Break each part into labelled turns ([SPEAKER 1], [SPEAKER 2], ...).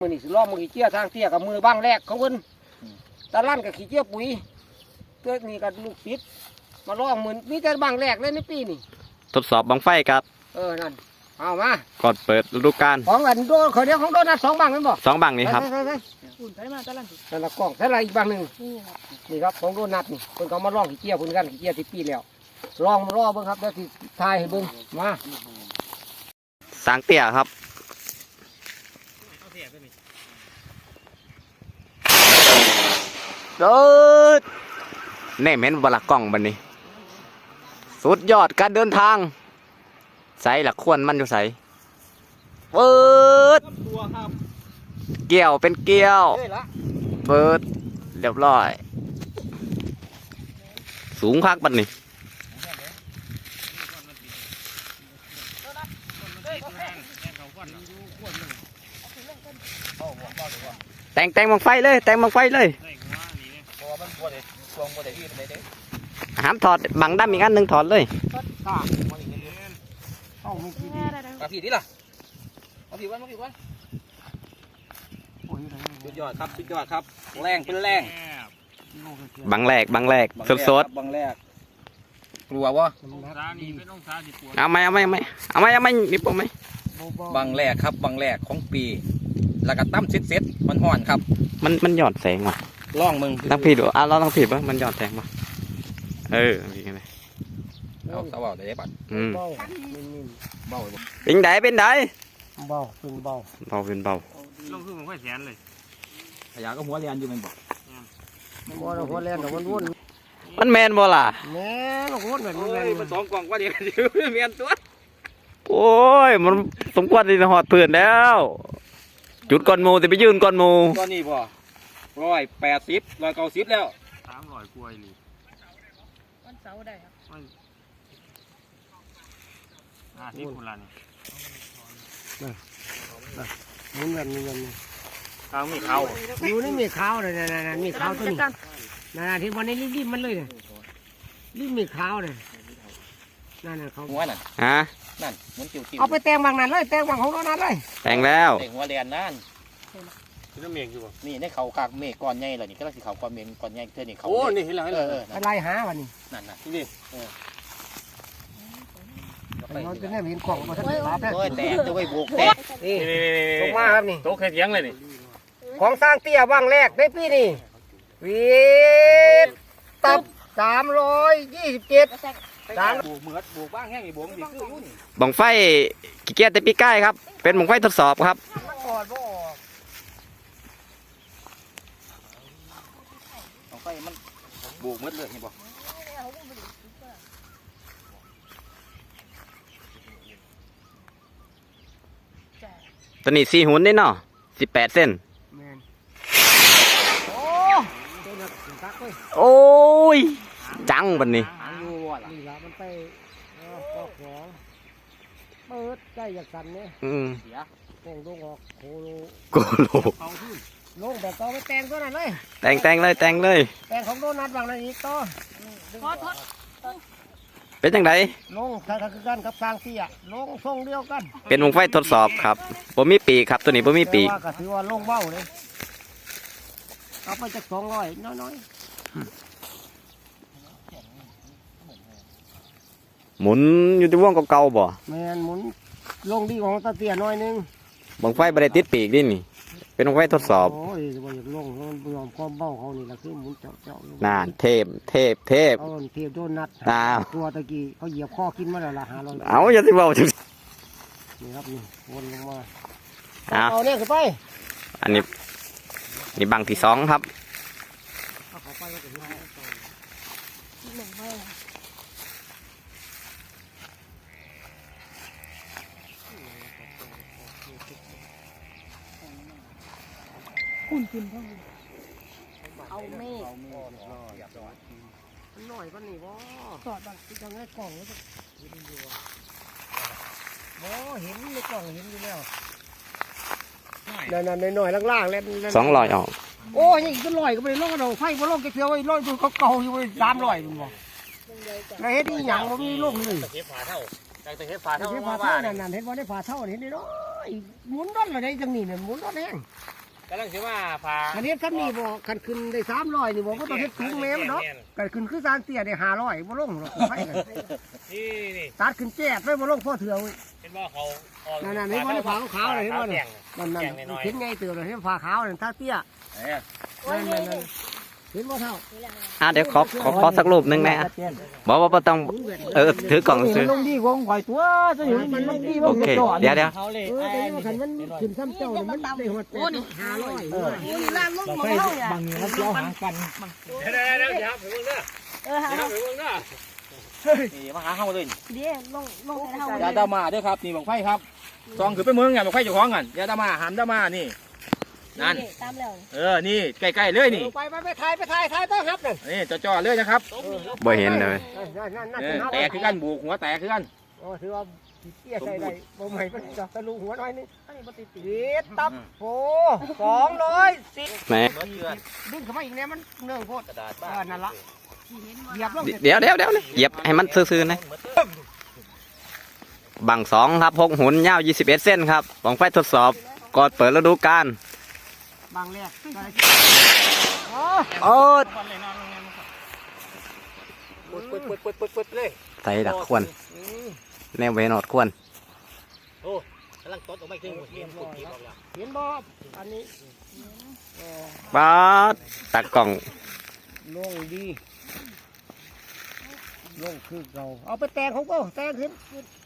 [SPEAKER 1] มือนี่สิล้อมือขี้เจี๊ยทางเตี้ยกับมือบ้างแรกของเพิ่นตะลั่นกับขี้เจี๊ยปุ๋ยเกิดนี่กับลูกปิดมาล้อมือมีแต่บ้างแรกเลยในปีนี่
[SPEAKER 2] ทดสอบบังไฟครับ
[SPEAKER 1] นั่นเอามา
[SPEAKER 2] ก่อนเปิดฤดูกาล
[SPEAKER 1] ของอันโดนเขาเดียวของโดนนัด2 บังนั่นบ่
[SPEAKER 2] 2 บังนี้ครับ
[SPEAKER 1] อุ่นใส่มาตะลั่นนั่นละกล้องใส่อะไรอีกบังหนึ่งนี่ครับของโดนนัดนี่เพิ่นเขามาล้อขี้เจี๊ยเพิ่นกันขี้เจี๊ยที่ปีแล้วลองมาล้อเบิ่งครับแล้วสิทายให้เบิ่งมา
[SPEAKER 2] สางเตี้ยครับเดินแน่เม้นบลักกล้องบันนี้สุดยอดการเดินทางใส่หลักควรมันอยู่ใส่เปิดเกี่ยวเป็นเกี่ยวเปิดเรียบร้อยสูงคักบันนี้แต่งบังไฟเลยแต่งบังไฟเลยห้ามถอดบังดำอีกอันหนึ่งถอดเลย
[SPEAKER 3] มาผีนี่ล่ะมาผีวันสุดยอดครับสุดยอดครับแรงเป็นแรง
[SPEAKER 2] บังแรกสด
[SPEAKER 3] บังแรกกลัววะ
[SPEAKER 2] เอาไหมมีปุ่มไหม
[SPEAKER 3] บังแรกครับบังแรกของปีแล้วก็ตั้มเซ็ตมันห่อนครับ
[SPEAKER 2] มันหย่อนแสงว่ะ
[SPEAKER 3] ล่องมึง
[SPEAKER 2] ต้องผิดเราต้องผิดป่ะมันหย่อนแสงป่ะมีไง
[SPEAKER 3] เอาสาวได้ปัด
[SPEAKER 1] เบา
[SPEAKER 2] เป็นได
[SPEAKER 1] เบา
[SPEAKER 2] ลงขึ้นมันค่อยแสนเลย
[SPEAKER 3] พยาก็หัวเรียนอยู่มันบอก
[SPEAKER 1] หัวเรียนแต่มันวุ่น
[SPEAKER 2] มันแมนบ่ล่ะ
[SPEAKER 1] แม่นวุ่นแบบนี้เลย
[SPEAKER 3] มัน2 กล่องว่าเดียวเมียนตัว
[SPEAKER 2] โอ้ยมันสมควรที่จะหอดเพื่อนแล้วจุดก้อนมูแต่ไปยืนก้อนมู
[SPEAKER 3] ก้อนนี้บ่180 190แล้ว
[SPEAKER 2] 300กว่าอี
[SPEAKER 4] วันเสาร์ได้ครับ
[SPEAKER 2] 50คนละนี่
[SPEAKER 1] มุนแบบนี้
[SPEAKER 2] ข้าวมีข้าว
[SPEAKER 1] อยู่นี่มีข้าวเลยนะมีข้าวตัวนี้นั่นที่วันนี้รีบมันเลยรีบมีข้าวเลยนั่นเขา
[SPEAKER 3] หัวนั่นนั่นมุนจิ๋ว
[SPEAKER 1] เอาไปแต่งบางนั้นเลยแต่งบางของนั้นเลย
[SPEAKER 2] แต่งแล้ว
[SPEAKER 3] แต่งหัวเรียนนั่น
[SPEAKER 2] นี่เมฆอยู่ป่ะ
[SPEAKER 3] นี่ในเขากากเมฆก้อนใหญ่เลยนี่ก็ต้องสีเขาก้อนเมฆก้อนใหญ่เท่านี้เขา
[SPEAKER 2] โอ้นี่เห็นแล้ว
[SPEAKER 1] อะไรหาวันนี้
[SPEAKER 3] นั่นนี่
[SPEAKER 1] เราจะเนี่ยเห็นกล่องมาทั้งหลายแบบ
[SPEAKER 3] แตกจะไว้บวกแตก
[SPEAKER 1] นี่ลงมาครับนี่
[SPEAKER 2] โต๊ะเคยเถียงเลยนี่
[SPEAKER 1] ของสร้างเตี้ยว่างแรกในปีนี้วีตับ327
[SPEAKER 3] บวกเหมือดบวกบ้างแห้งอีบวกดีคือรุ่น
[SPEAKER 2] บังไฟกี่เกียร์แต่ปีใกล้ครับเป็นบังไฟทดสอบครับ
[SPEAKER 3] บังไฟมันบวกเหมือดเลยเห็นป่ะ
[SPEAKER 2] ตอนนี้4 หุ่นได้เนาะ18 เส้นโอ้ยจังบันนี้
[SPEAKER 1] นี่ละมันไปก็ของเปิดใกล้จากสันเนี่ยแตงลงออกโคโลลงแบบต่อไปแต่งตัวนั้นเลย
[SPEAKER 2] แต่งเลยแต่ง
[SPEAKER 1] ของโดนัทบางนั้นอีกต่อ
[SPEAKER 2] เป็นจังได
[SPEAKER 1] ลงถ้าคือกันกับสร้างเตี้ยลงทรงเดียวกัน
[SPEAKER 2] เป็นวงไฟทดสอบครับผมมีปีกครับตัวนี้ผมมีปีก
[SPEAKER 1] ก็ถือว่าลงเบ้าเลยเอาไปจาก200น้อย
[SPEAKER 2] หมุนอยู่ที่วงเก่าๆบ่
[SPEAKER 1] แมนหมุนลงดีของตะเตี้ยน้อยนึง
[SPEAKER 2] บังไฟบริติดปีกดินี่เป็นบังไฟทดสอบ
[SPEAKER 1] โอ้ยบ่อยากลงมันยอมความเบ้าเขานี่แหละคือหมุนเจาะ
[SPEAKER 2] น่าเทพ
[SPEAKER 1] เทพโดนนัดตัวตะกี้เขาเหยียบข้อกินมาแล้วล่ะ500
[SPEAKER 2] เอาอย่าสิเว้าจัง
[SPEAKER 1] นี่ครับนี่วนลงมาเอาเนี่ยขึ้นไป
[SPEAKER 2] อันนี้นี่บังที่2ครับ
[SPEAKER 4] คุณพ่อเอาเมฆ
[SPEAKER 1] หน่อยกันนี่บ่
[SPEAKER 4] สอดบังที่จะให้กล่องแล้วก็
[SPEAKER 1] เห็นในกล่องเห็นอยู่แล้วนั่นหน่อยล่างๆแล้ว
[SPEAKER 2] 200ออก
[SPEAKER 1] โอ้ยยังจะลอยก็ไปลอยเราไฟบ่ลอยแกเสียวไอ้ลอยดูเขาเก่าอยู่300มันบ่แล้วเฮ็ดอีหยังบ่มีลงเลย
[SPEAKER 3] ตะเข็บฝาเท่านั่น
[SPEAKER 1] เฮ็ดบ่ได้ฝาเท่าเห็นนี่เนาะยหมุนด้านอะไรจังนี่เนี่ยหมุนด้านแห้ง
[SPEAKER 3] กำลังสิว่าพา
[SPEAKER 1] อันนี้คันนี้บอกคันขึ้นได้300นี่บอกว่าต้องเฮ็ดสูงแม่มเนาะกันขึ้นคือสร้างเตี้ยได้500บ่ลงหรอกไปกัน
[SPEAKER 3] นี่
[SPEAKER 1] ตัดขึ้นแจ๊ดไปบ่ลงพอเถื่อเว้ย
[SPEAKER 3] เห็นว่าเขา
[SPEAKER 1] นั่นๆนี่บ่ได้ผ้าขาวๆเลยเห็นบ่เนี่ยนั่นๆเห็นไงเตือนเลยเห็นผ้าขาวนั่นตาเตี้ยนั่นๆเห็นบ่เท่า
[SPEAKER 2] เดี๋ยวขอสักรูปหนึงนะบอกว่าต้องถือกล่องซื้อ
[SPEAKER 1] ลงดีวงข่อยตัวจะอยู่มันลงดีว
[SPEAKER 2] โอง เคเดี๋ยว
[SPEAKER 1] แต่ว่าคันมันขึ้นซ้ำเจ้าเนี่ยมันได้หมด500
[SPEAKER 4] ล้านลงหมดแล้วเนี่ย
[SPEAKER 1] บางนี้มันเจ้าหางกัน
[SPEAKER 3] เดี๋ยวไปเบิ่งเด้อ
[SPEAKER 4] หา
[SPEAKER 3] เดี๋ยวไปเบิ่งเด้อนี่มาหาเฮาเลย
[SPEAKER 4] เดี๋ยวลงให้เท่า
[SPEAKER 3] อย่าดามาเด้อครับนี่บังไฟครับซองคือไปเมืองไงบังไฟเจ้าของกันอย่าดามาหามดามานี่นั่น
[SPEAKER 4] ตามแล้ว
[SPEAKER 3] นี่ใกล้ๆเลยนี่
[SPEAKER 1] ไปถ่ายต้องครับนั่น
[SPEAKER 3] นี่จ่อๆเลยนะครับ
[SPEAKER 2] บ่เห็นเลย
[SPEAKER 3] แตกคือกันบุกหัวแตกคือกัน
[SPEAKER 1] โอ้ถือว่าเตี้ยใส่ได้บ่ใหม่มันจะทะลุหัวหน่อยนึงอันนี้บ่ติดตับโอ้210
[SPEAKER 2] แหม
[SPEAKER 1] ดึงเข้ามาอีกเนี่ยมันเนื่องโพด
[SPEAKER 3] กระดาษบ้า
[SPEAKER 1] นั่นละเหยียบลง
[SPEAKER 2] เดี๋ยวเหยียบให้มันซื่อๆนะบัง2ครับ6หุ่นยาว21เส้นครับบังไฟทดสอบก่อนเปิดฤดูกาล
[SPEAKER 1] บางแรก
[SPEAKER 2] โอ้
[SPEAKER 3] ปึ๊ดเลย
[SPEAKER 2] ใส่ดักควรแนวเวนอดควร
[SPEAKER 3] โอ้กำลังตดออกมาถึงเห็นปุ๊บออกแล้ว
[SPEAKER 1] เห็นบ่อันนี้
[SPEAKER 2] บาดตากล่อง
[SPEAKER 1] ลงดีลงคือเก่าเอาไปแต่งของก็แต่งขึ้น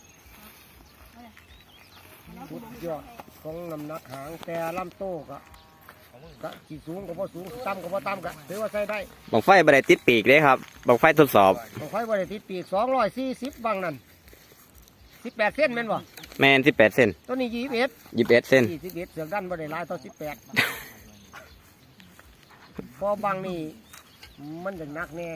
[SPEAKER 1] สุดยอดของน้ำหนักหางแต่ลำโต้กะขีดสูงก็พอสูงต่ำก็พอต่ำกะถือว่าใช้ได้
[SPEAKER 2] บังไฟบ่ได้ติดปีกเลยครับบังไฟทดสอบ
[SPEAKER 1] ของไฟบริติดปีก240บางนั่น18 เส้นแม่นบ่
[SPEAKER 2] แมน18เส้น
[SPEAKER 1] ตัวนี้21
[SPEAKER 2] 21เส้น
[SPEAKER 1] 21เสือกดันบ่ได้หลายต่อ18พอบางนี่มันจะหนักแน่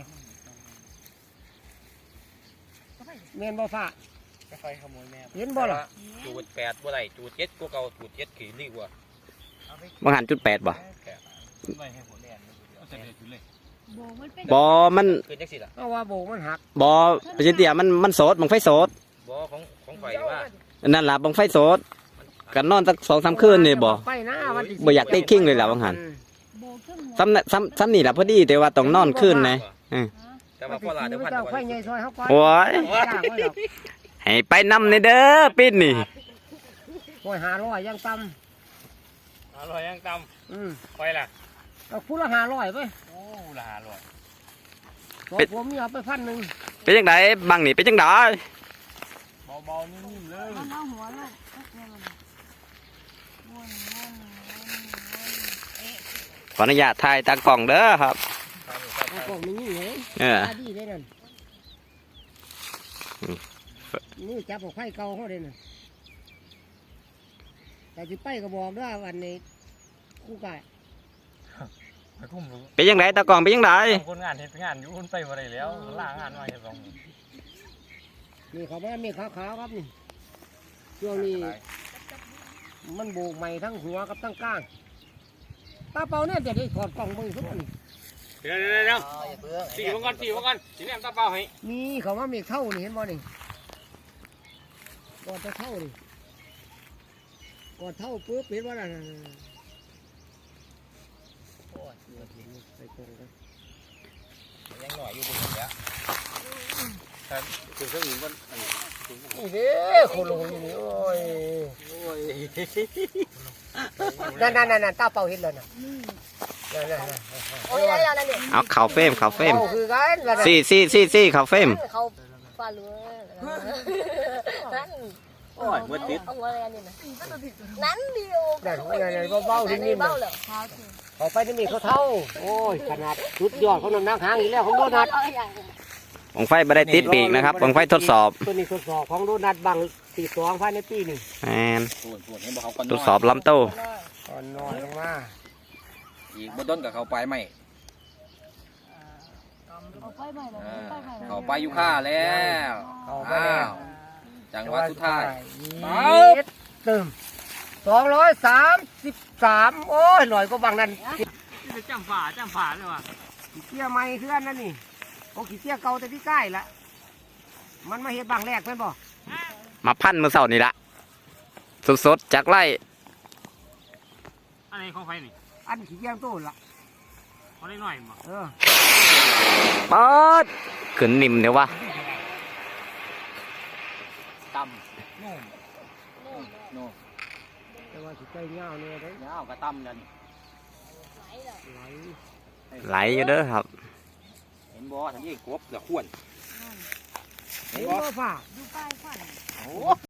[SPEAKER 1] แม่นบ่ฟ้า
[SPEAKER 3] ไฟขโมยแม่
[SPEAKER 1] เห็นบ่ล่ะ
[SPEAKER 3] จูด8บ่ได้จูด7กว่าเก่าจูด7ขี่ดีกว่า
[SPEAKER 2] บางหันจุด8บ่
[SPEAKER 3] ไม่ให้หัวแน่เอาใส่เลยจูดเลย
[SPEAKER 4] โบมันเป็น
[SPEAKER 2] บอมัน
[SPEAKER 3] คือจังซี่ล่ะ
[SPEAKER 1] เอาว่าโบกมันหัก
[SPEAKER 2] บอประจิเตียมันโสดบังไฟโสด
[SPEAKER 3] บ่ของไฟว่า
[SPEAKER 2] นั่นล่ะบังไฟโสดกันนอนสัก2-3คืนนี่บ่
[SPEAKER 1] ไปนะวันที่
[SPEAKER 2] บ่อยากได้คิงเลยล่ะบางหัน
[SPEAKER 4] โบขึ้นหัว
[SPEAKER 2] ซ้ำนี่ล่ะพอดีแต่ว่าต้องนอนคืนนะ
[SPEAKER 3] แต่ว่าพ่อหลานเดี๋ยวพัน
[SPEAKER 1] เจ้าไฟใหญ่ซอยเฮาไป
[SPEAKER 2] โอ้ย
[SPEAKER 1] จ้างไว้ดอก
[SPEAKER 2] ให้ไปนำในเด้อปิดนี่
[SPEAKER 1] โอ้ย500ยังต่
[SPEAKER 3] อร่อยยังต
[SPEAKER 1] ำ
[SPEAKER 3] ำไฟล่ะ
[SPEAKER 1] เอาคู่ละ500ไป
[SPEAKER 3] โอ้ละอร่อย
[SPEAKER 1] บอกผมมีเอาไป1,000
[SPEAKER 2] เป็นจังไดบังนี่เป็นจังได
[SPEAKER 3] เบาๆนิ่มๆเลย
[SPEAKER 4] มันเอาหัวลงวน
[SPEAKER 2] ขออนุญาตถ่ายตากล่องเด้อครับ
[SPEAKER 1] เอากล่องนี้นี่เลย
[SPEAKER 2] เออ
[SPEAKER 1] ตาดีเลยนั่นนี่จับของไฟเก่าเขาเลยนั่นแต่สิไปก็บอกด้วยวันนี้คู่ไก่
[SPEAKER 3] ไปคุ้มรู้
[SPEAKER 2] เป็นจังไดตากล่องเป็นจังได
[SPEAKER 3] คนงานเฮ็ดงานอยู่คนไปบ่ได้แล้วล่างานมาเฮ็ดสอง
[SPEAKER 1] นี่เขาไม่มีขาวๆครับนี่ช่วงนี้มันโบกใหม่ทั้งหัวกับทั้งก้างตาเปาเนี่ยจะได้ถอดกล่องมือทุกคน
[SPEAKER 3] เดี๋ยวสีมันก่อนสีแนมตาเปล่าให้
[SPEAKER 1] มีเขาว่ามีเท่านี่เห็นบ่นี่ก่อนจะเท่านี่ก่อนเท่าปุ๊บเห็นว่าอะไรใส่กล่องกัน
[SPEAKER 3] ยังหน่อยอยู่บนนี้ครับคือเครื่องอื่นมัน
[SPEAKER 1] นี่เด้โคโลนี่โอ้ยนั่นตาเปาเห็นแล้วนะนั่น
[SPEAKER 4] โอ้ยอะไรนั่นเนี่ย
[SPEAKER 2] เอาเข่าเฟรมเข่าเฟรม
[SPEAKER 1] เปาคือกัน
[SPEAKER 2] ซี่เข่าเฟรม
[SPEAKER 4] เขาฟาดเลยนั่น
[SPEAKER 3] โอ้ยมืดติด
[SPEAKER 4] เอาหัวอะไรนี่นะนั่นเดียว
[SPEAKER 1] นั่นเบาๆนิ่มๆ
[SPEAKER 4] เบาเลย
[SPEAKER 1] เขาไปนี่มีเขาเท่าโอ้ยขนาดสุดยอดเขานำนักหางอีกแล้วของโดนัท
[SPEAKER 2] บังไฟบ่ได้ติดปีกนะครับบังไฟทดสอบ
[SPEAKER 1] ตัวนี้ทดสอบของโดนัทบัง42ภายในปีนี่
[SPEAKER 2] แมน
[SPEAKER 3] ส่วนให้บอกเขาก่อน
[SPEAKER 2] ทดสอบลำโต
[SPEAKER 1] ตอนนอนลงมา
[SPEAKER 3] อีกบ่ต้นกับเขาไปไหม
[SPEAKER 4] เอาไปใหม่เลย
[SPEAKER 3] เขาไปอยู่ค่าแล้ว
[SPEAKER 1] เขาไปแล้ว
[SPEAKER 3] จังหวัดสุดท้าย
[SPEAKER 1] เติม233โอ้ยหน่อยก็บางนั้น
[SPEAKER 3] จำฝาเลยว่ะ
[SPEAKER 1] ขี้เกียใหม่เพื่อนนั่นนี่โอ้ขี้เกียเก่าแต่ที่ใกล้ละมันมาเฮ็ดบางแรกเพื่อนบ่
[SPEAKER 2] มาพันมือเสาร์นี่ละสดๆจากไร่
[SPEAKER 3] อันนี้ของไฟนี่
[SPEAKER 1] อันขี้แยงตู้ละ
[SPEAKER 3] เขาได้หน่อยมั้ง
[SPEAKER 2] เปิดขึ้นนิ่มเดี๋ยววะ
[SPEAKER 3] ตำโน่
[SPEAKER 1] แต่ว่าสิใจเงาเนี่ยได้
[SPEAKER 3] ยาวกระตำกัน
[SPEAKER 1] ไหล
[SPEAKER 2] ไหลอยู่เด้อครับ
[SPEAKER 3] เห็นบ่ทันยี่กบกับขวน
[SPEAKER 1] เห็นบ่ฝ่า
[SPEAKER 4] ดูป้ายฟัน
[SPEAKER 3] โอ้